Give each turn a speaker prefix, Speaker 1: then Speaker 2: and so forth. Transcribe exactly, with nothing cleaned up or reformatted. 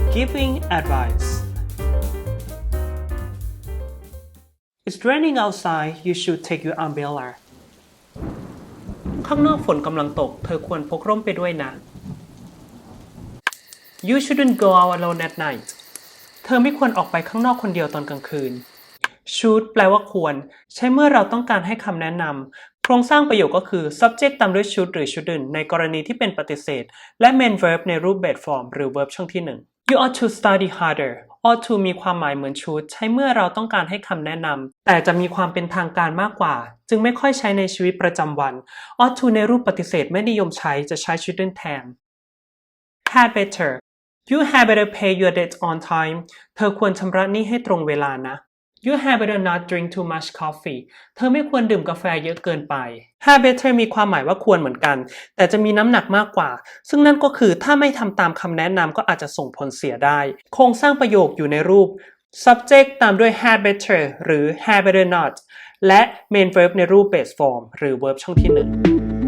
Speaker 1: giving advice It's raining outside you should take your umbrella ข้างนอกฝนกำลังตกเธอควรพกร่มไปด้วยนะ You shouldn't go out alone at night เธอไม่ควรออกไปข้างนอกคนเดียวตอนกลางคืน Should แปลว่าควรใช้เมื่อเราต้องการให้คำแนะนำโครงสร้างประโยคก็คือ subject ตามด้วย should หรือ shouldn't ในกรณีที่เป็นปฏิเสธและ main verb ในรูปแบบ form หรือ verb ช่องที่หนึ่ง You ought to study harder ought to มีความหมายเหมือน should ใช้เมื่อเราต้องการให้คำแนะนำแต่จะมีความเป็นทางการมากกว่าจึงไม่ค่อยใช้ในชีวิตประจำวัน ought to ในรูปปฏิเสธไม่นิยมใช้จะใช้ shouldn't แทน Had better You had better pay your debt on time เธอควรชำระหนี้ให้ตรงเวลานะ You had better not drink too much coffee เธอไม่ควรดื่มกาแฟเยอะเกินไป Had better มีความหมายว่าควรเหมือนกันแต่จะมีน้ำหนักมากกว่าซึ่งนั่นก็คือถ้าไม่ทำตามคำแนะนำก็อาจจะส่งผลเสียได้โครงสร้างประโยคอยู่ในรูป subject ตามด้วย had better หรือ had better not และ main verb ในรูป base form หรือ verb ช่องที่หนึ่ง